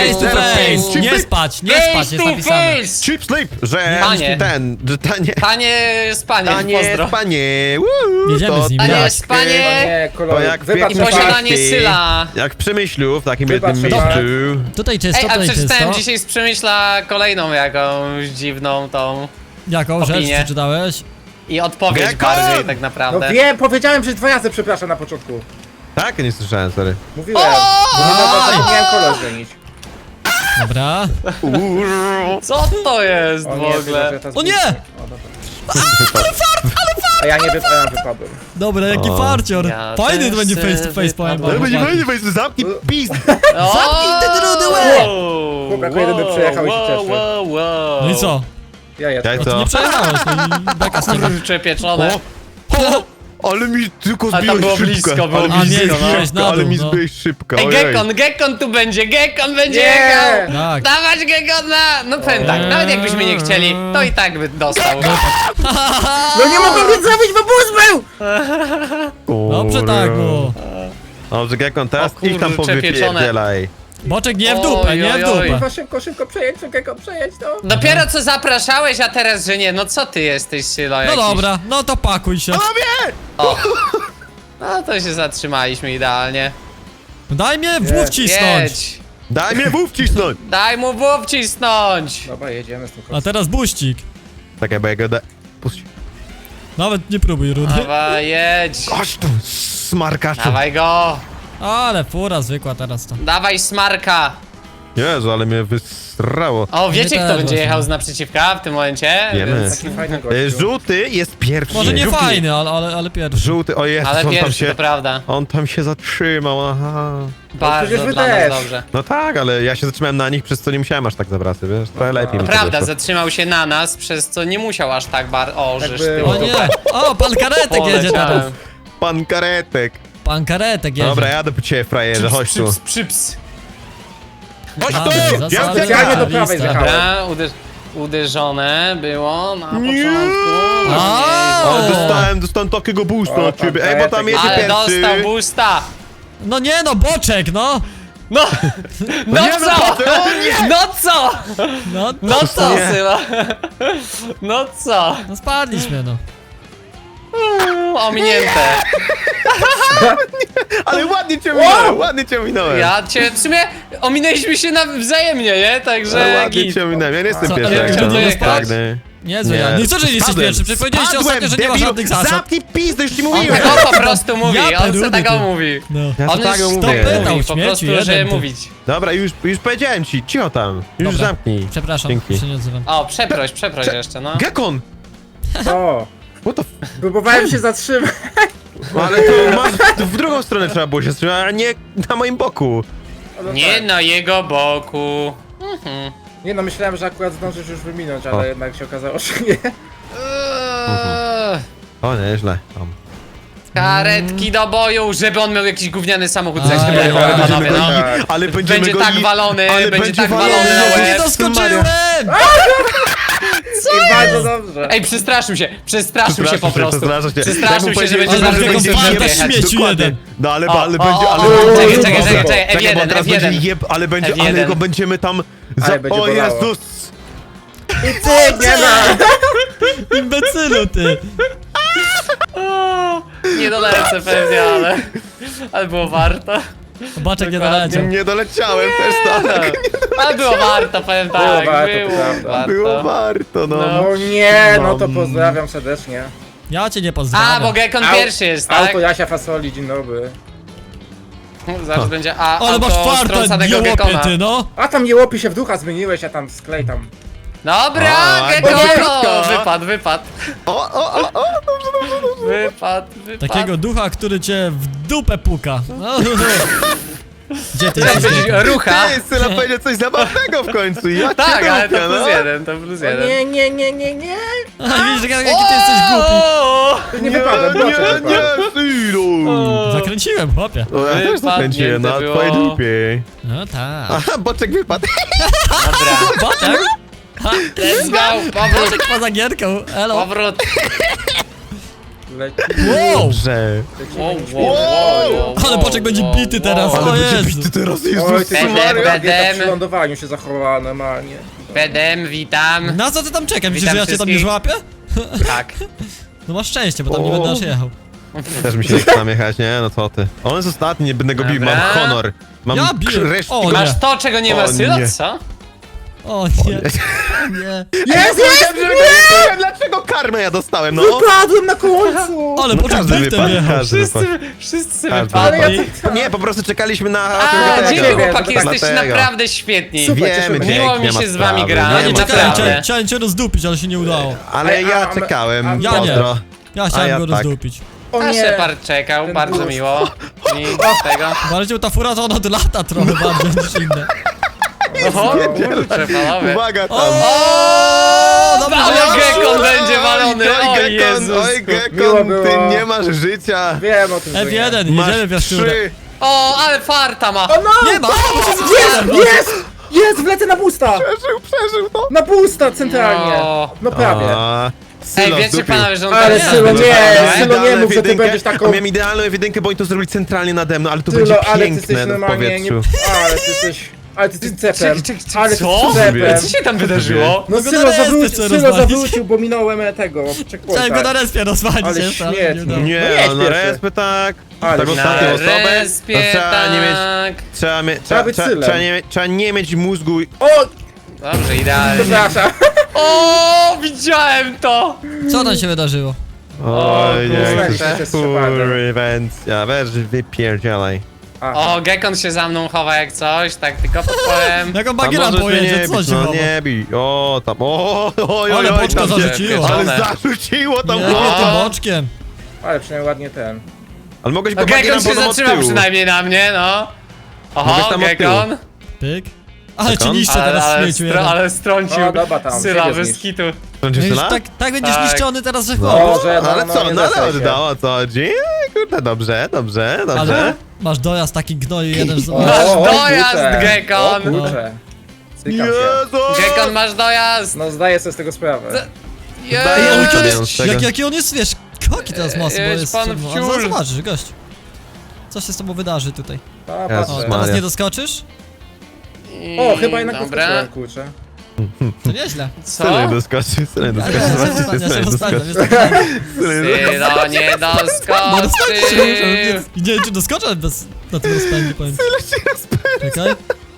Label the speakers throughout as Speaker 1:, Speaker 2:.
Speaker 1: face to face.
Speaker 2: Chip
Speaker 1: Nie
Speaker 2: sleep.
Speaker 1: spać, nie spać, jest napisane.
Speaker 2: Chip sleep, że
Speaker 3: Panie.
Speaker 2: że tanie.
Speaker 3: Panie z paniem,
Speaker 2: Panie,
Speaker 3: pozdro.
Speaker 2: panie.
Speaker 1: Jedziemy z nim.
Speaker 3: Panie
Speaker 2: tak,
Speaker 3: z panie.
Speaker 4: Nie,
Speaker 2: To
Speaker 4: kolor.
Speaker 2: jak
Speaker 4: Wypadł
Speaker 2: w
Speaker 4: na
Speaker 3: posiadanie
Speaker 2: partii,
Speaker 3: Syla.
Speaker 2: Jak w Przemyślu, w takim
Speaker 4: Wybacz,
Speaker 2: jednym
Speaker 4: Szymon.
Speaker 2: miejscu.
Speaker 1: Tutaj czysto,
Speaker 3: Ej, a
Speaker 1: tutaj
Speaker 3: przeczytałem
Speaker 1: czysto.
Speaker 3: dzisiaj z Przemyśla kolejną jakąś dziwną tą
Speaker 1: Jaką rzecz
Speaker 3: opinię.
Speaker 1: przeczytałeś?
Speaker 3: i odpowiedź
Speaker 2: Gekon!
Speaker 3: bardziej tak
Speaker 4: No
Speaker 3: naprawdę.
Speaker 4: wiem, powiedziałem, że 2 razy przepraszam na początku.
Speaker 2: Tak? Nie słyszałem, sorry.
Speaker 4: Mówiłem. Bo nie zapomniałem kolor zmienić.
Speaker 1: Dobra.
Speaker 3: Co to jest
Speaker 4: O
Speaker 3: w
Speaker 4: nie,
Speaker 3: ogóle?
Speaker 1: O nie!
Speaker 4: O, dobra. A ja nie wypadłem.
Speaker 1: Dobra, jaki
Speaker 2: O.
Speaker 1: farcior.
Speaker 3: Ja
Speaker 1: Fajny
Speaker 3: też
Speaker 1: to będzie
Speaker 3: chcę
Speaker 1: face to face, powiem
Speaker 3: wypadać.
Speaker 1: wam.
Speaker 2: Ale będzie
Speaker 1: chłopaki.
Speaker 2: fajnie, zamknij pizd.
Speaker 1: Zamknij ten rudy łeb!
Speaker 4: Chłop jako jedyny przejechał i się cieszy.
Speaker 1: No i co?
Speaker 4: Ja
Speaker 2: Ja
Speaker 4: jestem.
Speaker 1: No to
Speaker 2: co?
Speaker 1: nie przejechałeś, no i beka z tego.
Speaker 3: Kurcze pieczone.
Speaker 2: Ale mi tylko
Speaker 3: A tam
Speaker 2: zbiłeś
Speaker 3: było
Speaker 2: szybko.
Speaker 3: blisko, było
Speaker 2: Ale mi
Speaker 1: blisko,
Speaker 2: zbiłeś
Speaker 1: no.
Speaker 2: szybko, ale mi
Speaker 1: Na dół, no.
Speaker 2: zbiłeś szybko.
Speaker 3: Ej,
Speaker 2: ojej.
Speaker 3: Gekon tu będzie, Gekon będzie
Speaker 4: Nie!
Speaker 3: jechał!
Speaker 1: Tak.
Speaker 3: Dawać Gekona! No powiem tak, nawet jakbyśmy nie chcieli, to i tak by dostał.
Speaker 4: No nie mogłem nic zrobić, bo bus był!
Speaker 1: Dobrze tak było.
Speaker 2: Dobrze, Gekon, teraz
Speaker 3: O kurde,
Speaker 2: ich tam
Speaker 3: przepieczone.
Speaker 2: powypierdzielaj.
Speaker 1: Boczek nie w dupę, nie w
Speaker 3: Oj, oj, oj.
Speaker 1: dupę.
Speaker 4: Kurwa, szybko, przejedź, przejedź to.
Speaker 3: Dopiero co zapraszałeś, a teraz, że nie. No co ty jesteś, Sylo,
Speaker 1: No
Speaker 3: jakiś?
Speaker 1: dobra, no to pakuj się.
Speaker 3: O. No to się zatrzymaliśmy idealnie.
Speaker 1: Daj mnie w wcisnąć.
Speaker 3: Jedź.
Speaker 2: Daj mnie wów cisnąć!
Speaker 3: Daj mu włów cisnąć.
Speaker 4: Dobra, jedziemy z tym
Speaker 1: A
Speaker 4: koksem.
Speaker 1: teraz buścik.
Speaker 2: Czekaj, bo ja go da... Puść.
Speaker 1: Nawet nie próbuj, Rudy.
Speaker 3: Dawaj, jedź.
Speaker 2: Chodź tu, smarkaczu.
Speaker 3: Dawaj go.
Speaker 1: Ale fura zwykła teraz to.
Speaker 3: Dawaj smarka.
Speaker 2: Jezu, ale mnie wysrało.
Speaker 3: O, wiecie
Speaker 1: Nie
Speaker 3: kto
Speaker 1: tak
Speaker 3: będzie
Speaker 1: właśnie.
Speaker 3: jechał z naprzeciwka w tym momencie?
Speaker 2: Wiemy.
Speaker 3: Więc...
Speaker 4: Taki fajny gościu.
Speaker 2: Żółty jest pierwszy.
Speaker 1: Może nie
Speaker 2: Żółty.
Speaker 1: fajny, ale pierwszy.
Speaker 2: Żółty, o Jezus,
Speaker 3: Ale
Speaker 2: on tam
Speaker 3: pierwszy,
Speaker 2: się...
Speaker 3: to prawda.
Speaker 2: On tam się zatrzymał, aha.
Speaker 3: Bardzo
Speaker 4: przecież wy
Speaker 3: dla nas
Speaker 4: też.
Speaker 3: dobrze.
Speaker 2: No tak, ale ja się zatrzymałem na nich, przez co nie musiałem aż tak zawracać, wiesz? Trochę lepiej mi to
Speaker 3: Prawda,
Speaker 2: wyszło.
Speaker 3: zatrzymał się na nas, przez co nie musiał aż tak O, żeż ty.
Speaker 4: było.
Speaker 1: O nie! O, pan karetek jedzie teraz.
Speaker 3: Poleciałem.
Speaker 2: Pan Karetek.
Speaker 1: Pan karetek jedzie.
Speaker 2: Dobra, jadę po ciebie, frajerze, chodź tu.
Speaker 3: Przyps.
Speaker 2: Chodź
Speaker 1: A,
Speaker 2: tu!
Speaker 1: zasady
Speaker 2: Ja
Speaker 4: Specjalnie do
Speaker 1: lista.
Speaker 4: prawej zjechałem.
Speaker 3: Dobra, uderzone było na
Speaker 2: Nie.
Speaker 3: początku.
Speaker 1: A.
Speaker 2: O, dostałem takiego boosta
Speaker 4: O,
Speaker 2: od ciebie.
Speaker 4: pan
Speaker 2: Ej, bo tam
Speaker 4: Karetek.
Speaker 2: jedzie
Speaker 3: Ale
Speaker 2: pierwszy.
Speaker 3: dostał boosta.
Speaker 1: No nie no, boczek, no!
Speaker 3: No, no
Speaker 2: Nie, no
Speaker 3: co?
Speaker 2: po co? O nie!
Speaker 3: No co?
Speaker 1: No,
Speaker 3: No co,
Speaker 2: Nie.
Speaker 3: Syla? No co?
Speaker 1: no spadliśmy, no.
Speaker 3: Ominięte.
Speaker 2: Ale ładnie cię minąłem, ładnie cię minąłem.
Speaker 3: Ja cię, w sumie ominęliśmy się wzajemnie, nie?
Speaker 2: Ale
Speaker 3: Także
Speaker 2: ładnie
Speaker 3: git.
Speaker 2: cię minąłem, ja nie jestem
Speaker 1: Co,
Speaker 2: pierwszy.
Speaker 1: ale
Speaker 2: jak
Speaker 3: ty
Speaker 2: chciałem.
Speaker 3: nie
Speaker 2: Tak,
Speaker 3: jesteś?
Speaker 2: nie.
Speaker 1: Niezły ja. Nie, co, że nie jesteś
Speaker 2: Spadłem,
Speaker 1: pierwszy? Przecież powiedzieliście
Speaker 2: spadłem,
Speaker 1: ostatnio, że nie ma
Speaker 2: debilu.
Speaker 1: żadnych zasad.
Speaker 2: Zamknij pizdę, już ci
Speaker 3: On
Speaker 2: mówiłem.
Speaker 3: tak po prostu mówi,
Speaker 1: Ja
Speaker 3: on se
Speaker 1: perudy,
Speaker 3: tak
Speaker 1: ty.
Speaker 3: mówi.
Speaker 1: No.
Speaker 2: Ja
Speaker 3: On
Speaker 2: to tak
Speaker 3: już
Speaker 2: mówię.
Speaker 3: to
Speaker 1: Pytał,
Speaker 3: mówi, po
Speaker 1: śmieciu,
Speaker 3: prostu,
Speaker 1: jeden
Speaker 3: żeby
Speaker 1: ty.
Speaker 3: mówić.
Speaker 2: Dobra, już powiedziałem ci, cicho tam. Już
Speaker 1: Dobra.
Speaker 2: zamknij.
Speaker 1: Przepraszam,
Speaker 2: Dzięki.
Speaker 1: się nie odzywam.
Speaker 3: O, przeproś jeszcze, no.
Speaker 2: Gekon!
Speaker 4: O,
Speaker 2: What the
Speaker 4: próbowałem się zatrzymać.
Speaker 2: Ale to masz, w drugą stronę trzeba było się wstrzymać, a nie na moim boku.
Speaker 4: No
Speaker 3: Nie
Speaker 4: tak.
Speaker 3: na jego boku.
Speaker 4: Nie no, myślałem, że akurat zdążysz już wyminąć, ale
Speaker 2: O.
Speaker 4: jednak się okazało, że nie.
Speaker 2: O, nieźle.
Speaker 3: Karetki do boju, żeby on miał jakiś gówniany samochód za
Speaker 1: Aj,
Speaker 3: chwilę,
Speaker 1: aj,
Speaker 3: panowie,
Speaker 1: będziemy
Speaker 3: no.
Speaker 4: tak.
Speaker 2: Ale będziemy
Speaker 3: Będzie
Speaker 2: go
Speaker 3: tak walony,
Speaker 2: ale
Speaker 3: będzie tak
Speaker 2: walony.
Speaker 3: walony na
Speaker 1: Jezu, nie
Speaker 3: łeb.
Speaker 1: doskoczyłem!
Speaker 4: I bardzo dobrze.
Speaker 3: Ej, przestraszył się po prostu. Przestraszył się, że będzie
Speaker 1: Ale
Speaker 3: zaraz
Speaker 1: tego
Speaker 3: będzie
Speaker 1: spada
Speaker 3: jechać.
Speaker 1: śmieci jeden.
Speaker 2: No ale,
Speaker 3: O,
Speaker 2: ale
Speaker 3: o,
Speaker 2: będzie,
Speaker 3: o,
Speaker 2: ale
Speaker 3: o,
Speaker 2: będzie...
Speaker 3: czekaj,
Speaker 2: Czekaj,
Speaker 3: czekaj,
Speaker 2: bo
Speaker 3: F1,
Speaker 2: teraz
Speaker 3: F1.
Speaker 2: będzie ale będzie, ale
Speaker 3: F1.
Speaker 2: go będziemy tam...
Speaker 4: Ale będzie
Speaker 2: o
Speaker 4: bolało.
Speaker 2: Jezus!
Speaker 4: I ty, nie ma!
Speaker 1: Imbecylu, ty!
Speaker 3: Nie dolecę pewnie, ale było warto.
Speaker 1: Boczek nie
Speaker 3: Dokładnie.
Speaker 1: doleciał.
Speaker 2: Nie doleciałem też tak.
Speaker 3: Ale było warto, powiem tak.
Speaker 4: Było warto, to prawda.
Speaker 2: Było warto, no.
Speaker 4: No nie, no to pozdrawiam serdecznie.
Speaker 1: Ja cię nie
Speaker 3: A,
Speaker 1: pozdrawiam.
Speaker 3: bo Gekon
Speaker 4: Au-
Speaker 3: pierwszy jest, tak?
Speaker 4: Auto Jasia Fasoli, dzień dobry.
Speaker 3: Zaraz będzie
Speaker 1: Ale masz
Speaker 3: auto
Speaker 1: farta,
Speaker 3: strącanego
Speaker 1: jełopie,
Speaker 3: Gekona.
Speaker 1: ty, no!
Speaker 4: A tam jełopi się w ducha zmieniłeś, a tam sklej tam.
Speaker 3: Dobra,
Speaker 2: A,
Speaker 3: Gekon!
Speaker 2: dobra.
Speaker 3: Wypadł. Wypadł.
Speaker 1: Takiego ducha, który cię w dupę puka. No. Gdzie ty
Speaker 3: Chciałem
Speaker 1: jesteś?
Speaker 3: powiedzieć
Speaker 1: Gekon?
Speaker 3: rucha.
Speaker 2: Ty, Syla powiedział coś zabawnego w końcu. Ja
Speaker 3: Tak,
Speaker 2: cię
Speaker 3: ale to
Speaker 2: lubię,
Speaker 3: plus
Speaker 2: no.
Speaker 3: jeden, to plus jeden.
Speaker 4: Nie.
Speaker 1: A, widzisz, jaki ty jesteś głupi.
Speaker 3: O!
Speaker 4: Nie wypadłem,
Speaker 2: Nie,
Speaker 4: proszę
Speaker 2: nie, Sylu.
Speaker 1: Zakręciłem, chłopie.
Speaker 2: O, ja też zakręciłem na
Speaker 3: Wypadnięte
Speaker 2: twojej
Speaker 3: było.
Speaker 2: dupie.
Speaker 1: No tak.
Speaker 2: Aha, boczek wypadł.
Speaker 3: Dobra,
Speaker 1: Boczek?
Speaker 3: let's go, powrót,
Speaker 1: Boczek poza gierką, elo.
Speaker 3: powrót.
Speaker 1: Wow!
Speaker 2: Dobrze.
Speaker 3: Wow.
Speaker 1: Ale Boczek będzie bity teraz,
Speaker 2: Ale
Speaker 1: o
Speaker 2: będzie
Speaker 1: Jezu.
Speaker 2: bity teraz,
Speaker 4: Oj,
Speaker 2: Jezus
Speaker 4: ty
Speaker 3: Bedem,
Speaker 2: Maria.
Speaker 3: bedem.
Speaker 4: przy lądowaniu się zachowała normalnie.
Speaker 3: Bedem, witam.
Speaker 1: Na co ty tam czekam? Myślisz,
Speaker 3: Witam
Speaker 1: że ja cię tam nie
Speaker 3: wszystkich.
Speaker 1: złapię?
Speaker 3: Tak.
Speaker 1: No masz szczęście, bo tam nie
Speaker 2: O.
Speaker 1: będę aż jechał.
Speaker 2: Też mi się nie chce tam jechać, nie? No co ty. On jest ostatni, nie będę go bił,
Speaker 3: Dobra.
Speaker 2: mam honor. Mam
Speaker 1: Ja biję.
Speaker 2: resztki.
Speaker 1: O, nie.
Speaker 3: Masz to, czego nie ma
Speaker 2: O,
Speaker 3: Sylo,
Speaker 2: nie.
Speaker 3: co?
Speaker 1: O nie, nie.
Speaker 4: Jest,
Speaker 2: Dlaczego karmę ja dostałem, no?
Speaker 4: Wypadłem na końcu!
Speaker 1: Ale
Speaker 2: No
Speaker 1: Boczek
Speaker 2: każdy
Speaker 1: driftem
Speaker 2: wypadł,
Speaker 1: jechał.
Speaker 2: każdy wypadł.
Speaker 3: Wszyscy
Speaker 2: Każdy
Speaker 3: wypadli.
Speaker 4: Ale ja
Speaker 2: wypadł. Nie, po prostu czekaliśmy na...
Speaker 3: A,
Speaker 2: tego.
Speaker 3: dzięki
Speaker 4: Dlatego.
Speaker 3: chłopaki, jesteście
Speaker 2: Dlatego.
Speaker 3: naprawdę świetni.
Speaker 4: Super,
Speaker 2: Wiemy,
Speaker 4: cieszymy się.
Speaker 3: Miło
Speaker 2: nie
Speaker 3: mi
Speaker 2: ma
Speaker 3: się z wami
Speaker 2: sprawy,
Speaker 3: gra,
Speaker 2: nie
Speaker 1: Ja nie
Speaker 2: ma
Speaker 1: czekałem,
Speaker 3: naprawdę.
Speaker 1: chciałem cię rozdupić, ale się nie udało.
Speaker 2: Ale ja
Speaker 4: A,
Speaker 2: czekałem,
Speaker 1: ja nie.
Speaker 2: pozdro.
Speaker 1: Ja chciałem
Speaker 2: ja
Speaker 1: go
Speaker 2: tak.
Speaker 1: rozdupić.
Speaker 4: O
Speaker 3: A
Speaker 4: nie!
Speaker 3: Shepard czekał,
Speaker 4: Ten
Speaker 3: bardzo
Speaker 4: bus.
Speaker 3: miło. I tego.
Speaker 1: Bardziej ta fura to ona od lata trochę bardziej niż inne.
Speaker 3: Oho, kurczę, panowie.
Speaker 2: Uwaga tam.
Speaker 1: O, dobrze,
Speaker 3: Ale
Speaker 1: że ja-
Speaker 3: Gekon będzie walony, o
Speaker 2: Gekon,
Speaker 3: Jezus.
Speaker 2: oj
Speaker 4: Miło
Speaker 2: Gekon,
Speaker 4: było.
Speaker 2: ty nie masz życia.
Speaker 4: Wiem o tym, że nie.
Speaker 1: F1,
Speaker 2: Masz
Speaker 1: jedziemy w jaszczurę.
Speaker 2: 3.
Speaker 3: O, ale farta ma.
Speaker 4: O no!
Speaker 1: Nie ma, bo się
Speaker 4: Jest!
Speaker 1: zepsułem.
Speaker 4: Jest! Jest! Wlecę na busta!
Speaker 2: Przeżył to.
Speaker 4: Na busta centralnie!
Speaker 3: No.
Speaker 4: No prawie.
Speaker 3: Ej, wiecie panowie, że on
Speaker 4: Ale
Speaker 3: tak
Speaker 4: Sylo,
Speaker 3: zrobił,
Speaker 4: nie,
Speaker 3: tak?
Speaker 4: Sylo, nie mów, że ty będziesz taką-
Speaker 2: Miałem idealną ewidynkę, bo oni to zrobili centralnie nade mną, ale to
Speaker 4: Tylo,
Speaker 2: będzie
Speaker 4: ale ty jesteś
Speaker 2: piękne w
Speaker 4: normalnie nie...
Speaker 2: powietrzu.
Speaker 4: Ale ty jesteś... Ale ty jesteś cepem.
Speaker 3: Czekaj,
Speaker 4: Ale ty
Speaker 3: co?
Speaker 4: jesteś cepem.
Speaker 3: Co się tam wydarzyło?
Speaker 4: No
Speaker 1: No go
Speaker 4: Sylo
Speaker 1: na respie
Speaker 4: zawrócił,
Speaker 1: chcę
Speaker 4: Sylo
Speaker 1: rozwalić.
Speaker 4: zawrócił, bo minąłem tego
Speaker 1: Chciałem go na
Speaker 4: checkpointa.
Speaker 1: respie rozwalić
Speaker 4: Ale
Speaker 1: jeszcze, ale
Speaker 4: śmiesznie.
Speaker 1: nie udało.
Speaker 2: Nie,
Speaker 4: No jedź
Speaker 2: no
Speaker 4: pierwszy.
Speaker 2: respy tak.
Speaker 4: Ale
Speaker 2: Tak
Speaker 4: na
Speaker 2: ostatnią
Speaker 3: Na
Speaker 2: osobę.
Speaker 3: respie,
Speaker 2: to trzeba nie mieć,
Speaker 3: tak.
Speaker 4: Trzeba być Sylem.
Speaker 2: trzeba nie mieć mózgu.
Speaker 4: O!
Speaker 3: Dobrze, idealnie.
Speaker 4: Przepraszam.
Speaker 3: O, widziałem to!
Speaker 1: Co tam się wydarzyło?
Speaker 2: Oj,
Speaker 3: kurczę.
Speaker 2: nie, to jest kurwencja. Weź wypierdzielaj.
Speaker 4: Aha.
Speaker 3: O, Gekon się za mną chowa jak coś, tak tylko podpowiem.
Speaker 1: Jak on
Speaker 2: A
Speaker 1: bagiera
Speaker 2: możesz mnie
Speaker 1: pojedzie,
Speaker 2: nie
Speaker 1: co
Speaker 2: bić,
Speaker 1: się
Speaker 2: no
Speaker 1: chowa?
Speaker 2: nie bij. O, tam, oj,
Speaker 1: Ale boczka
Speaker 2: tam się-
Speaker 1: zarzuciło.
Speaker 2: Ale
Speaker 3: Pieczone.
Speaker 2: zarzuciło tam
Speaker 1: Nie,
Speaker 2: chłopca.
Speaker 1: nie tym boczkiem.
Speaker 4: Ale przynajmniej ładnie ten.
Speaker 2: Ale mogłeś
Speaker 3: No,
Speaker 2: go bagierem
Speaker 3: Gekon się
Speaker 2: potem od
Speaker 3: zatrzymał
Speaker 2: tyłu.
Speaker 3: przynajmniej na mnie, no.
Speaker 2: Mogłeś
Speaker 3: Oho,
Speaker 2: tam od
Speaker 3: Gekon.
Speaker 1: Pyk. Ale
Speaker 2: Tak
Speaker 1: cię
Speaker 2: on?
Speaker 1: niszczę teraz w śmieciu jeden.
Speaker 3: Ale strącił
Speaker 4: O, dobra, tam,
Speaker 3: Syla
Speaker 4: siebie
Speaker 3: bez
Speaker 4: zniszcz.
Speaker 3: kitu.
Speaker 2: Sądzisz,
Speaker 1: No już
Speaker 2: Syla?
Speaker 1: tak będziesz
Speaker 3: Tak.
Speaker 1: niszczony teraz, że
Speaker 2: No,
Speaker 1: chłop.
Speaker 4: że
Speaker 2: ale
Speaker 4: no,
Speaker 2: co,
Speaker 4: nie
Speaker 2: no ale
Speaker 4: zesraj się.
Speaker 2: oddało, o co chodzi? Kurde, dobrze.
Speaker 1: Ale masz dojazd taki gnoju jeden z...
Speaker 3: Masz
Speaker 4: O,
Speaker 3: dojazd,
Speaker 4: kurczę.
Speaker 3: Gekon.
Speaker 4: O kurczę. Cykam się.
Speaker 2: Jezu!
Speaker 3: Gekon, masz dojazd.
Speaker 4: No zdaję sobie z tego sprawę.
Speaker 2: Zdaję
Speaker 1: Ej, ale
Speaker 2: sobie
Speaker 1: jaki on
Speaker 2: z
Speaker 1: jest,
Speaker 2: tego.
Speaker 1: jaki on jest, wiesz, koki teraz mocno, bo
Speaker 3: Jest
Speaker 1: jest...
Speaker 3: pan
Speaker 1: no,
Speaker 3: wciul.
Speaker 1: ale zobaczysz, gość. Co się z tobą wydarzy tutaj?
Speaker 4: A,
Speaker 2: Jezus
Speaker 1: O,
Speaker 4: patrzę.
Speaker 1: teraz
Speaker 2: Maria.
Speaker 1: nie doskoczysz?
Speaker 4: O, chyba jednak
Speaker 3: Dobra.
Speaker 4: doskoczyłem, kurczę.
Speaker 1: To nieźle.
Speaker 3: Co?
Speaker 2: Syla nie doskoczy, Syla nie
Speaker 1: Ale
Speaker 2: doskoczy.
Speaker 1: ja
Speaker 2: Zobaczcie,
Speaker 1: się
Speaker 2: Syla nie
Speaker 1: rozstawiam,
Speaker 2: doskoczy.
Speaker 1: wiesz, tak...
Speaker 3: Sylo nie
Speaker 1: Nie
Speaker 3: doskoczył.
Speaker 1: nie wiem, czy doskoczę bez... na tym rozpędzie, powiem. Czekaj.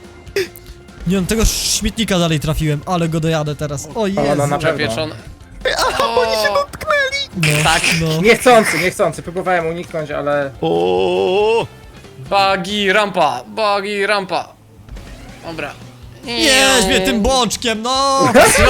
Speaker 1: Nie wiem, tego śmietnika dalej trafiłem, ale go dojadę teraz. O Jezu.
Speaker 4: no, na pewno.
Speaker 3: Przepieczone.
Speaker 2: Oni się dotknęli!
Speaker 1: No,
Speaker 3: Tak.
Speaker 1: no.
Speaker 4: Niechcący. Próbowałem uniknąć, ale...
Speaker 2: O,
Speaker 3: Bagi rampa. Dobra.
Speaker 1: Jeźdź mnie tym boczkiem, no!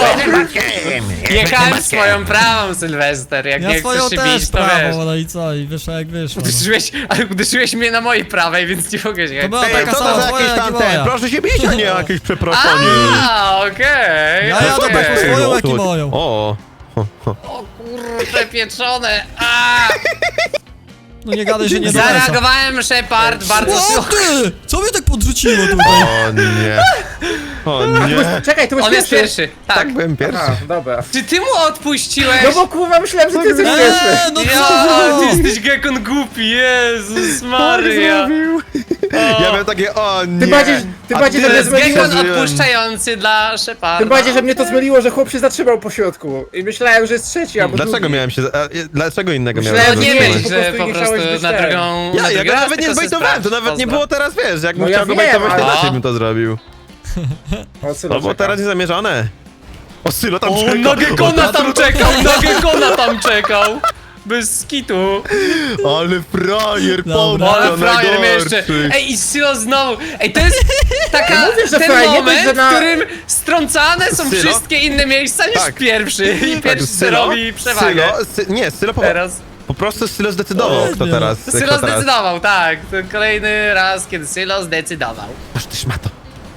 Speaker 3: Jechałem swoją prawą, Sylwester. Jak
Speaker 1: Ja
Speaker 3: nie
Speaker 1: swoją
Speaker 3: chcesz się
Speaker 1: też
Speaker 3: bić, to wiesz.
Speaker 1: prawą, no i co? I wyszło jak wyszło. No.
Speaker 3: Ale uderzyłeś mnie na mojej prawej, więc nie mogę się...
Speaker 1: To była
Speaker 2: Ej,
Speaker 1: taka
Speaker 2: co to
Speaker 1: sama
Speaker 2: za
Speaker 1: twoja,
Speaker 2: jakieś
Speaker 1: jak i
Speaker 2: tam te?
Speaker 1: moja.
Speaker 2: Proszę się bić, a nie jakieś przeproszenie.
Speaker 3: A, okej.
Speaker 1: Ja jadę
Speaker 3: okej.
Speaker 1: taką swoją, jak i moją.
Speaker 2: O,
Speaker 3: O kurde, pieczone. A!
Speaker 1: No nie gadaj, że nie dolecą.
Speaker 3: Zareagowałem, Shepard, bardzo
Speaker 1: O
Speaker 3: szybko.
Speaker 1: ty! Co mnie tak podrzuciło tutaj?
Speaker 2: o nie. O nie.
Speaker 4: Czekaj, ty byłeś
Speaker 3: On jest pierwszy, tak.
Speaker 2: Tak, byłem pierwszy.
Speaker 4: A, dobra.
Speaker 3: Czy ty mu odpuściłeś?
Speaker 4: No bo kurwa, myślałem, że ty jesteś pierwszy.
Speaker 1: No
Speaker 3: Ja,
Speaker 1: co?
Speaker 3: ty jesteś Gekon głupi, Jezus Maria.
Speaker 2: Ja miałem takie, o nie.
Speaker 4: Tym bardziej, że
Speaker 3: To
Speaker 4: mnie
Speaker 3: jest
Speaker 4: zmyliło,
Speaker 3: Gekon
Speaker 2: Przeżyłem.
Speaker 3: odpuszczający dla Sheparda.
Speaker 4: tym bardziej, że mnie to zmyliło, że chłop się zatrzymał po środku. I myślałem, że jest trzeci, albo
Speaker 2: Dlaczego
Speaker 4: drugi.
Speaker 2: miałem się... Dlaczego innego
Speaker 4: Myślałem,
Speaker 2: miałem
Speaker 3: No nie
Speaker 4: że
Speaker 3: myśl,
Speaker 4: po
Speaker 3: że
Speaker 4: prostu
Speaker 3: po
Speaker 4: nie
Speaker 3: prostu
Speaker 4: chciałeś być
Speaker 3: na
Speaker 4: ten.
Speaker 3: drugą...
Speaker 2: Ja
Speaker 3: na drugi raz
Speaker 2: nawet nie
Speaker 3: tylko se
Speaker 2: zbejtowałem, to
Speaker 3: sprawdź,
Speaker 2: nawet nie
Speaker 3: pozdro.
Speaker 2: było teraz, wiesz, jakbym
Speaker 4: No ja
Speaker 2: chciał go
Speaker 4: wiem,
Speaker 2: bejtować, to
Speaker 4: ale-
Speaker 2: inaczej bym to zrobił.
Speaker 4: O, Sylo
Speaker 2: To było
Speaker 4: czeka.
Speaker 2: teraz niezamierzone. O, Sylo tam
Speaker 3: O,
Speaker 2: czeka.
Speaker 3: na Gekona tam czekał, na Gekona tam czekał. Bez skitu.
Speaker 2: Ale frajer,
Speaker 1: Dobra.
Speaker 2: pompa,
Speaker 3: Ale frajer mnie jeszcze.
Speaker 2: najgorszy.
Speaker 3: Ej, i Sylo znowu. Ej, to jest taka,
Speaker 4: Mówię, że
Speaker 3: ten
Speaker 4: frajer, nie
Speaker 3: moment,
Speaker 4: dość, że na-
Speaker 3: w którym strącane są
Speaker 2: Sylo?
Speaker 3: wszystkie inne miejsca niż
Speaker 2: Tak.
Speaker 3: pierwszy. I pierwszy
Speaker 2: Sylo,
Speaker 3: robi przewagę.
Speaker 2: nie, Sylo
Speaker 3: Teraz.
Speaker 2: po prostu Sylo zdecydował,
Speaker 1: O,
Speaker 2: kto
Speaker 1: nie.
Speaker 2: teraz.
Speaker 3: Sylo
Speaker 2: kto teraz.
Speaker 3: zdecydował, tak. To kolejny raz, kiedy Sylo zdecydował.
Speaker 2: Aż ty szmato.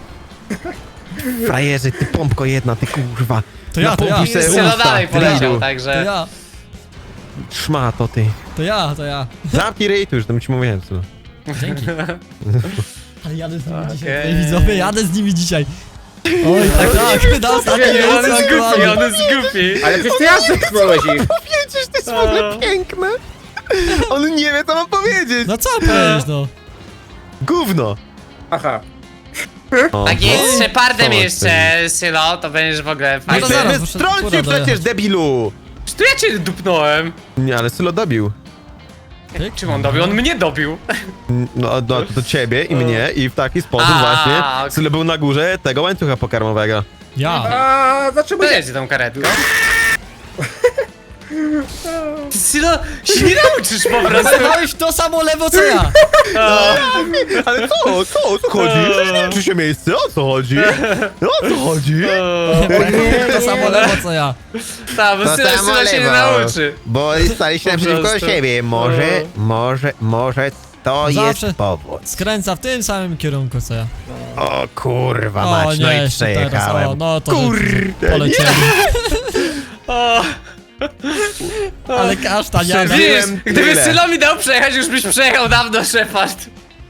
Speaker 2: Frajerze, ty pompko jedna, ty kurwa.
Speaker 1: To ja, to ja.
Speaker 2: Napompuj se
Speaker 3: Sylo
Speaker 2: usta,
Speaker 3: dalej poleciał,
Speaker 2: Ridu.
Speaker 1: To
Speaker 3: także...
Speaker 1: ja,
Speaker 2: Szmato, ty.
Speaker 1: to ja.
Speaker 2: Zamknij ryj tu już, to ci mówiłem, Sylo.
Speaker 1: Dzięki. Ale jadę z nimi dzisiaj,
Speaker 3: Okej.
Speaker 1: tutaj widzowie, jadę z nimi dzisiaj. Oj, tak, na ostatnim
Speaker 3: On
Speaker 1: miejscu
Speaker 3: jest
Speaker 1: aktualnie.
Speaker 3: głupi, on jest głupi.
Speaker 4: Ale przecież ty ja zepchnąłeś ich.
Speaker 2: Powiedzieć to jest w ogóle piękne. On nie wie, co mam powiedzieć.
Speaker 1: No co powiedzieć, no?
Speaker 2: Gówno.
Speaker 4: Aha.
Speaker 2: O,
Speaker 3: Tak jest, Shepardem
Speaker 2: Co
Speaker 3: jeszcze, Sylo, to będziesz w ogóle
Speaker 1: No to
Speaker 3: fajny.
Speaker 1: zaraz,
Speaker 2: Ty
Speaker 1: muszę
Speaker 2: strącił
Speaker 1: fura
Speaker 2: przecież,
Speaker 1: dojechać.
Speaker 2: debilu.
Speaker 3: Czy tu ja cię dupnąłem?
Speaker 2: Nie, ale Sylo dobił.
Speaker 1: Pyk.
Speaker 3: Czym on dobił? On mnie dobił.
Speaker 2: No, do ciebie i mnie i w taki sposób
Speaker 3: A,
Speaker 2: właśnie
Speaker 3: okej.
Speaker 2: Sylo był na górze tego łańcucha pokarmowego.
Speaker 1: Ja.
Speaker 4: A, dlaczego
Speaker 3: To
Speaker 4: nie?
Speaker 3: jedzie tą karetką. Ty, Sylo, się nie nauczysz po prostu.
Speaker 1: Zajmowałeś to samo lewo co ja.
Speaker 2: Ale co? O co chodzi? Czy się miejsce? O co chodzi? O co chodzi?
Speaker 1: To samo lewo co ja.
Speaker 3: Tak, bo Sylo się nie nauczy.
Speaker 2: Bo staliście
Speaker 3: Po
Speaker 2: naprzeciwko
Speaker 3: prostu.
Speaker 2: siebie. Może to
Speaker 1: Zawsze.
Speaker 2: jest powód.
Speaker 1: Skręca w tym samym kierunku co ja.
Speaker 2: O kurwa
Speaker 1: O
Speaker 2: mać, no
Speaker 1: nie,
Speaker 2: i
Speaker 1: jeszcze teraz.
Speaker 2: przejechałem.
Speaker 1: O, no to
Speaker 2: Kurde,
Speaker 1: polecieli.
Speaker 3: O,
Speaker 1: Ale kasztan, ja
Speaker 2: Przeżyłem.
Speaker 3: wiesz, gdyby
Speaker 2: tyle.
Speaker 3: Sylo mi dał przejechać, już byś przejechał dawno, Shepard.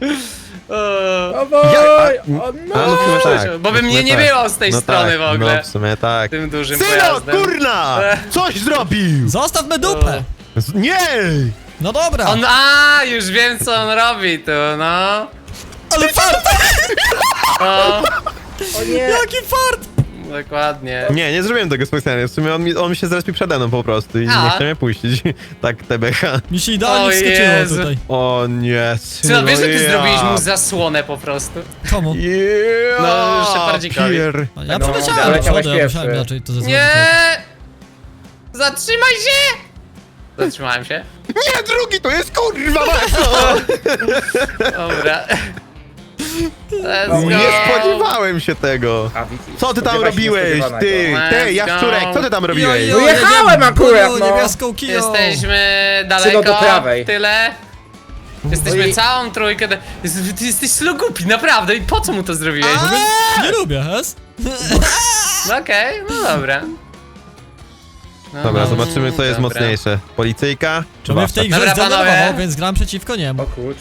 Speaker 4: O boj! O
Speaker 2: A, no w
Speaker 4: no!
Speaker 2: sumie tak.
Speaker 3: Bo by
Speaker 2: w
Speaker 3: mnie
Speaker 2: sumie
Speaker 3: nie
Speaker 2: tak.
Speaker 3: było z tej
Speaker 2: No
Speaker 3: strony
Speaker 2: tak,
Speaker 3: w ogóle.
Speaker 2: No w sumie tak.
Speaker 3: Tym dużym
Speaker 2: Sylo,
Speaker 3: pojazdem.
Speaker 2: kurna! Coś zrobił!
Speaker 1: Zostaw me dupę.
Speaker 2: Nie!
Speaker 1: No dobra.
Speaker 3: Już wiem co on robi tu, no.
Speaker 1: Ale fart!
Speaker 3: O,
Speaker 4: O nie!
Speaker 1: Jaki fart!
Speaker 3: dokładnie.
Speaker 2: Nie zrobiłem tego specjalnie. W sumie on mi się zrespił przede mną po prostu i
Speaker 3: A.
Speaker 2: nie chciał mnie puścić. Tak, TBH.
Speaker 1: Mi się idealnie
Speaker 3: O
Speaker 1: wskoczyło
Speaker 3: Jezu.
Speaker 1: tutaj.
Speaker 2: O nie,
Speaker 3: Sylo, wiesz, że ty
Speaker 2: ja.
Speaker 3: zrobiłeś mu zasłonę po prostu?
Speaker 1: Komu?
Speaker 2: Yeah,
Speaker 3: No, Shepardzikowi.
Speaker 2: pier-
Speaker 1: Ja
Speaker 4: No,
Speaker 1: przeleciałem do
Speaker 4: leciałeś
Speaker 1: przodu, ja
Speaker 4: pierwszy.
Speaker 1: musiałem inaczej to zrobić.
Speaker 3: Nie! Zatrzymaj się! Zatrzymałem się.
Speaker 2: Nie, drugi to jest kurwa mocno!
Speaker 3: Dobra. Let's
Speaker 4: No,
Speaker 3: go.
Speaker 2: Nie spodziewałem się tego.
Speaker 4: A, widzisz,
Speaker 2: Co ty tam
Speaker 4: spodziewa się
Speaker 2: robiłeś?
Speaker 4: niespodziewanego.
Speaker 2: Ty,
Speaker 3: Let's
Speaker 2: jaszczurek,
Speaker 3: go.
Speaker 2: co ty tam robiłeś?
Speaker 1: Jo, jo,
Speaker 4: Jechałem
Speaker 1: jedziemy,
Speaker 4: akurat,
Speaker 1: Boniu,
Speaker 4: no.
Speaker 1: Niebieską kiją.
Speaker 3: Jesteśmy
Speaker 4: Sylo
Speaker 3: daleko,
Speaker 4: do prawej.
Speaker 3: tyle. Jesteśmy
Speaker 4: Oj.
Speaker 3: całą trójkę. Ty jesteś Sylo głupi, naprawdę. I po co mu to zrobiłeś?
Speaker 1: Nie lubię, hes?
Speaker 3: No okej, no dobra. No,
Speaker 2: Dobra,
Speaker 3: no,
Speaker 2: zobaczymy co jest
Speaker 3: dobra.
Speaker 2: mocniejsze. Policyjka czy
Speaker 1: To mnie w tej
Speaker 2: wafla?
Speaker 1: grze
Speaker 3: Dobra, panowie.
Speaker 1: zdenerwował, więc gram przeciwko niemu.
Speaker 4: O kurczę.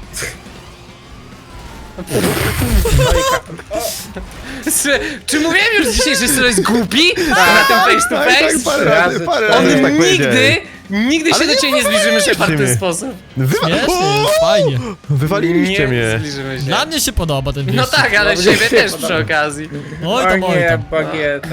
Speaker 3: Czy mówiłem już dzisiaj, że Sylo jest głupi? Na tym face to
Speaker 2: Tak,
Speaker 3: face?
Speaker 2: parę razy
Speaker 3: On
Speaker 2: tak
Speaker 3: nigdy,
Speaker 2: powiedziałeś.
Speaker 3: nigdy się
Speaker 2: Ale
Speaker 3: do
Speaker 2: nie
Speaker 3: ciebie nie zbliżymy
Speaker 2: wywaliliście
Speaker 3: Shepard w ten
Speaker 2: mnie.
Speaker 3: sposób.
Speaker 1: Śmiesznie,
Speaker 2: O!
Speaker 1: jest fajnie.
Speaker 2: Wywaliliście
Speaker 3: Nie
Speaker 2: mnie.
Speaker 3: zbliżymy się.
Speaker 1: Dla mnie się podoba ten
Speaker 3: No
Speaker 1: wyścig.
Speaker 3: tak, ale
Speaker 4: No,
Speaker 3: ciebie
Speaker 4: się
Speaker 3: też
Speaker 4: podoba.
Speaker 3: przy okazji.
Speaker 1: Oj
Speaker 4: O
Speaker 1: tam, oj
Speaker 4: nie,
Speaker 1: tam.
Speaker 4: bagieta.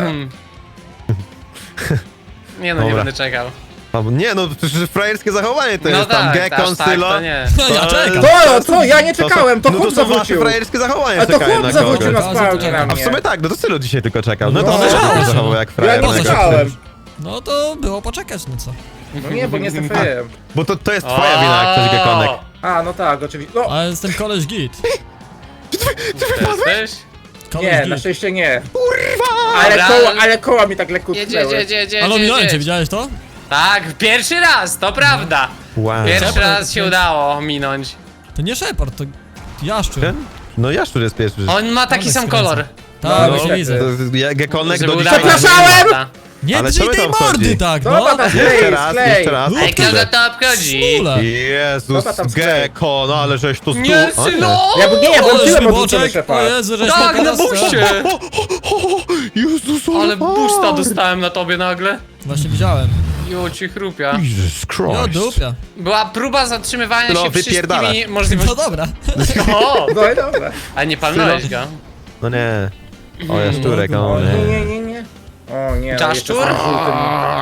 Speaker 3: Nie no, nie
Speaker 2: Dobra.
Speaker 3: będę czekał.
Speaker 2: Nie no, to przecież frajerskie zachowanie to
Speaker 3: No
Speaker 2: jest tam
Speaker 3: tak,
Speaker 2: Gekon,
Speaker 3: aż tak
Speaker 2: Sylo.
Speaker 3: to nie.
Speaker 1: Ja czekam.
Speaker 4: Co? Ja nie czekałem, to
Speaker 2: no
Speaker 4: chłop
Speaker 2: to są wasze
Speaker 4: zawrócił.
Speaker 2: frajerskie zachowania
Speaker 4: A to
Speaker 2: czekają
Speaker 4: chłop
Speaker 2: na
Speaker 4: zawrócił
Speaker 2: kogoś.
Speaker 4: na spałkę na
Speaker 2: A w
Speaker 4: mnie.
Speaker 2: sumie tak, no to Sylo dzisiaj tylko czekał. No to
Speaker 4: No,
Speaker 2: też
Speaker 1: no,
Speaker 2: się
Speaker 1: no.
Speaker 2: zachował jak
Speaker 4: Ja
Speaker 2: frajer.
Speaker 4: nie
Speaker 2: na
Speaker 4: czekałem.
Speaker 1: No to było poczekać, no co.
Speaker 4: No nie, bo nie trafiłem.
Speaker 2: Bo to jest twoja wina jak ktoś Gekonek.
Speaker 4: A, no tak, oczywiście. No,
Speaker 1: Ale jestem koleś git.
Speaker 3: Jesteś?
Speaker 1: Koleś
Speaker 4: nie, na
Speaker 1: git.
Speaker 4: szczęście nie.
Speaker 3: Dobra.
Speaker 4: Ale koła mi tak lekko
Speaker 3: Jedzie,
Speaker 4: tknęły.
Speaker 3: jedzie.
Speaker 1: Ale ominąłem cię, widziałeś to?
Speaker 3: Tak, pierwszy raz, to prawda.
Speaker 2: Wow.
Speaker 3: Pierwszy
Speaker 1: Shepard,
Speaker 3: raz się
Speaker 1: więc-
Speaker 3: udało minąć.
Speaker 1: To nie Shepard, to jaszczur.
Speaker 2: No Jaszczur jest pierwszy.
Speaker 3: On ma taki
Speaker 1: Ale
Speaker 3: sam
Speaker 1: skręca.
Speaker 3: kolor.
Speaker 1: Tak,
Speaker 4: No,
Speaker 1: właśnie
Speaker 4: no,
Speaker 1: widzę.
Speaker 2: Gekonek
Speaker 3: Żeby
Speaker 2: do
Speaker 3: udało
Speaker 2: dzisiaj...
Speaker 3: się
Speaker 4: Przepraszałem!
Speaker 3: wygląda.
Speaker 1: Nie
Speaker 2: Ale
Speaker 1: drzyj
Speaker 2: co
Speaker 1: tej
Speaker 2: tam
Speaker 1: mordy
Speaker 2: chodzi?
Speaker 1: tak,
Speaker 4: Dobra,
Speaker 1: no!
Speaker 4: tam
Speaker 2: Jeszcze
Speaker 4: sklej,
Speaker 2: raz,
Speaker 4: sklej.
Speaker 2: jeszcze raz.
Speaker 3: Ej, kogo to obchodzi?
Speaker 1: Smule.
Speaker 2: Jezus,
Speaker 4: Dobra, tam sklej.
Speaker 2: Gekon, no ale żeś to
Speaker 3: Nie, Sylo!
Speaker 4: Ja nie,
Speaker 1: Ale
Speaker 4: włączyłem odwrócony
Speaker 1: śliboczek, o
Speaker 4: Shepard.
Speaker 1: Jezu, żeś
Speaker 3: Tak,
Speaker 1: mnie
Speaker 3: na
Speaker 1: teraz-
Speaker 3: buście!
Speaker 2: Jezus,
Speaker 3: Ale busta dostałem na tobie nagle.
Speaker 1: Właśnie widziałem.
Speaker 3: Jo, ci chrupia.
Speaker 2: Jesus
Speaker 1: Jo,
Speaker 2: Christ.
Speaker 1: dupia.
Speaker 3: Była próba zatrzymywania
Speaker 2: No,
Speaker 3: się
Speaker 2: wypierdala.
Speaker 3: wszystkimi
Speaker 1: No
Speaker 3: możliwościami.
Speaker 1: dobra.
Speaker 3: O!
Speaker 4: No i dobra.
Speaker 3: A nie palnąłeś go.
Speaker 2: No nie. O, Jaszczurek,
Speaker 1: No,
Speaker 2: o
Speaker 4: Nie,
Speaker 2: nie.
Speaker 4: nie, nie, nie. O nie, no
Speaker 3: Czaszczur?
Speaker 4: jeszcze z tym żółtym.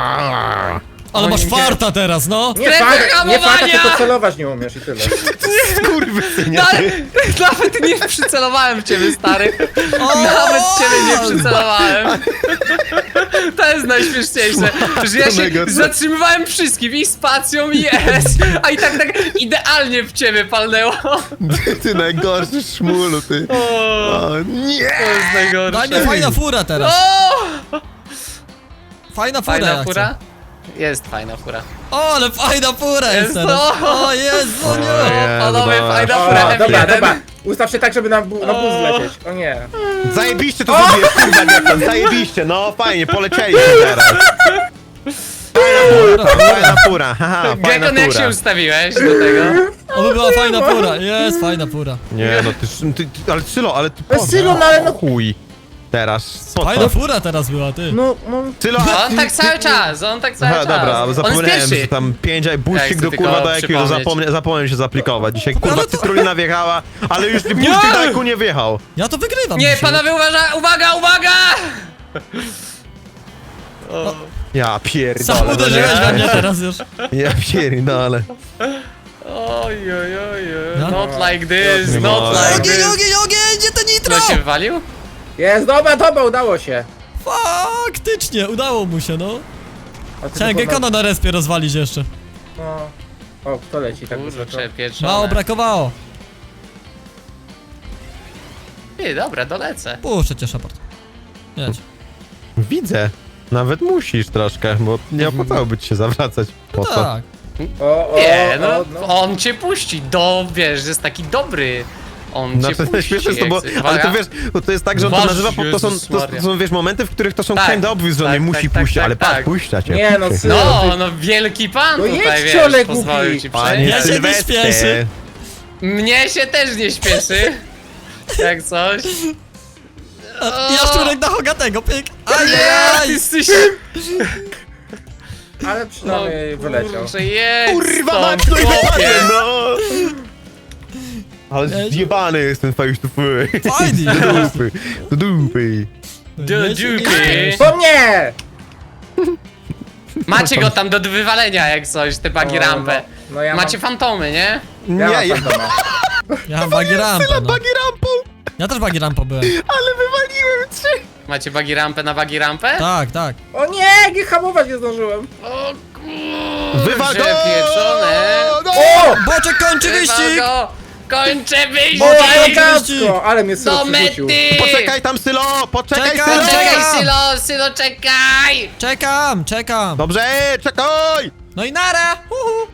Speaker 1: Ale masz farta teraz, no!
Speaker 4: Nie
Speaker 3: Strefy
Speaker 4: farta, nie farta,
Speaker 3: hamowania!
Speaker 4: tylko celować nie umiesz i tyle.
Speaker 2: Skurwysynie.
Speaker 3: No, ale nawet nie przycelowałem w ciebie, stary. Nawet w ciebie nie przycelowałem. To jest najśmieszniejsze, że ja się
Speaker 2: Smacznego.
Speaker 3: zatrzymywałem wszystkim i spacją i S, a i tak idealnie w ciebie palnęło.
Speaker 2: Ty najgorszy szmulu, ty. O nie.
Speaker 3: To jest najgorsze.
Speaker 1: Daj mnie fajna fura teraz.
Speaker 3: O!
Speaker 1: Fajna fura
Speaker 3: Fajna
Speaker 1: ja
Speaker 3: fura?
Speaker 1: chcę.
Speaker 3: Jest fajna fura.
Speaker 1: O, ale fajna fura jest
Speaker 3: Jest
Speaker 1: teraz.
Speaker 3: to.
Speaker 1: O Jezu,
Speaker 2: O
Speaker 1: nie.
Speaker 2: Jezu,
Speaker 3: Panowie,
Speaker 2: dobra.
Speaker 3: fajna
Speaker 4: O,
Speaker 3: fura
Speaker 4: dobra,
Speaker 3: F1.
Speaker 4: dobra. Ustaw się tak, żeby na bus zlecieć. O nie.
Speaker 2: Zajebiście to zrobiłeś, kurwa Gekon, zajebiście, no fajnie, polecieliśmy teraz. Fajna fura, haha, fajna
Speaker 3: Gekon, jak się
Speaker 2: fura.
Speaker 3: ustawiłeś do tego?
Speaker 1: Oby była fajna fura. Jest fajna fura.
Speaker 2: Nie no, ale Sylo, ale ty
Speaker 4: Sylo, no ale no-
Speaker 2: chuj. Teraz. Po
Speaker 1: Fajna
Speaker 2: co?
Speaker 1: fura teraz była, ty.
Speaker 4: No,
Speaker 2: Sylo,
Speaker 3: On tak cały czas, on tak cały
Speaker 2: Aha,
Speaker 3: czas.
Speaker 2: dobra,
Speaker 3: On jest
Speaker 2: zapomniałem,
Speaker 3: pierwszy.
Speaker 2: że tam 5
Speaker 3: Ja
Speaker 2: buścik
Speaker 3: chcę
Speaker 2: do
Speaker 3: tylko
Speaker 2: kurwa do jakiego
Speaker 3: przypomnieć.
Speaker 2: zapomniałem się zaaplikować. Dzisiaj kurwa
Speaker 1: Ale to-
Speaker 2: cytrulina wjechała, ale już buścik do jaku nie wjechał.
Speaker 1: Ja to wygrywam
Speaker 3: Nie,
Speaker 1: dzisiaj.
Speaker 3: panowie, uwaga, uwaga!
Speaker 2: Ja pierdolę.
Speaker 1: Sam
Speaker 2: no
Speaker 1: uderzyłeś
Speaker 2: nie?
Speaker 1: we mnie teraz już.
Speaker 2: Ja pierdolę.
Speaker 3: Oj.
Speaker 1: No.
Speaker 3: Not like this,
Speaker 2: Nie
Speaker 3: not
Speaker 2: mogę.
Speaker 3: like
Speaker 1: Ogień,
Speaker 3: this.
Speaker 1: ogień, ogień, gdzie to nitro?
Speaker 3: No się wywalił?
Speaker 4: Jest, dobra, udało się.
Speaker 1: Faktycznie, udało mu się, no.
Speaker 4: A ty
Speaker 1: Chciałem
Speaker 4: tylko
Speaker 1: Gekona na respie rozwalić jeszcze.
Speaker 4: No. O, kto leci tak wysoko?
Speaker 3: Kurczę, pieczone.
Speaker 1: Mało brakowało.
Speaker 3: Ty, dobra, dolecę.
Speaker 1: Puszczę cię, Shepard. Jedź.
Speaker 2: Widzę. Nawet musisz troszkę, bo nie opłacałoby ci się zawracać. Po co?
Speaker 1: Tak.
Speaker 3: Nie, no,
Speaker 4: no.
Speaker 3: on cię puści, wiesz, jest taki dobry. On cię
Speaker 2: Znaczy,
Speaker 3: puści.
Speaker 2: śmieszne jest to, bo,
Speaker 3: jak chce.
Speaker 2: ale to
Speaker 3: Uwaga.
Speaker 2: wiesz, bo to jest tak, że on to
Speaker 3: Boże,
Speaker 2: nazywa, to są,
Speaker 3: Jezus
Speaker 2: to
Speaker 3: Maria.
Speaker 2: są, wiesz, momenty, w których to są
Speaker 3: Tak,
Speaker 2: kinda obvious, że on
Speaker 3: tak,
Speaker 2: nie musi
Speaker 3: tak,
Speaker 2: puścić,
Speaker 3: tak,
Speaker 2: ale
Speaker 3: tak.
Speaker 2: patrz, puszcza cię.
Speaker 4: Nie, no,
Speaker 2: puszcza.
Speaker 4: synu.
Speaker 3: No, wielki pan
Speaker 4: No
Speaker 3: tutaj,
Speaker 4: jedź,
Speaker 3: wiesz,
Speaker 4: ciolek
Speaker 3: pozwolił
Speaker 4: głupi.
Speaker 3: ci
Speaker 2: Panie
Speaker 3: przejść.
Speaker 1: Ja się nie
Speaker 2: Sylwestrze.
Speaker 1: śpieszy.
Speaker 3: Mnie się też nie śpieszy. Jak coś.
Speaker 1: Jaszczurek na Hogatego, pyk.
Speaker 3: Ty
Speaker 1: Ajajaj.
Speaker 3: jesteś...
Speaker 4: Ale
Speaker 3: No,
Speaker 4: przynajmniej wyleciał.
Speaker 3: kurczę, jedź
Speaker 2: Kurwa,
Speaker 3: stąd,
Speaker 2: mać, no i
Speaker 3: chłopie.
Speaker 2: wypadnie, no! Ale zjebany jest ten face to face.
Speaker 1: Fajnie.
Speaker 2: Do dupy, do dupy.
Speaker 3: Do dziuki.
Speaker 4: Po mnie!
Speaker 3: Macie go tam do wywalenia jak coś, te bagi
Speaker 4: O,
Speaker 3: rampę.
Speaker 4: no ja
Speaker 3: Macie fantomy, nie?
Speaker 2: Nie,
Speaker 4: mam
Speaker 2: ja
Speaker 4: fantoma.
Speaker 1: Ja mam bagi rampę, no.
Speaker 2: bagi rampą,
Speaker 1: Ja też bagi rampą byłem.
Speaker 2: ale wywaliłem 3.
Speaker 3: Macie bagi rampę na bagi rampę?
Speaker 1: Tak, tak.
Speaker 4: O nie, nie hamować nie zdążyłem.
Speaker 3: O kurczę,
Speaker 2: Wywal go!
Speaker 3: pieczone.
Speaker 2: No!
Speaker 4: O!
Speaker 1: Boczek kończy
Speaker 3: Wywal
Speaker 1: wyścig!
Speaker 3: go. Kończę wyścig!
Speaker 4: O,
Speaker 1: wyścig!
Speaker 4: elegancko! Ale mnie
Speaker 3: Do
Speaker 4: syno przerzucił.
Speaker 3: mety!
Speaker 2: Poczekaj tam, Sylo! Poczekaj,
Speaker 1: Czekam,
Speaker 2: Sylo!
Speaker 3: Czekaj, Sylo, czekaj!
Speaker 1: Czekam, czekam.
Speaker 2: Dobrze, czekaj!
Speaker 1: No i nara! Uhu.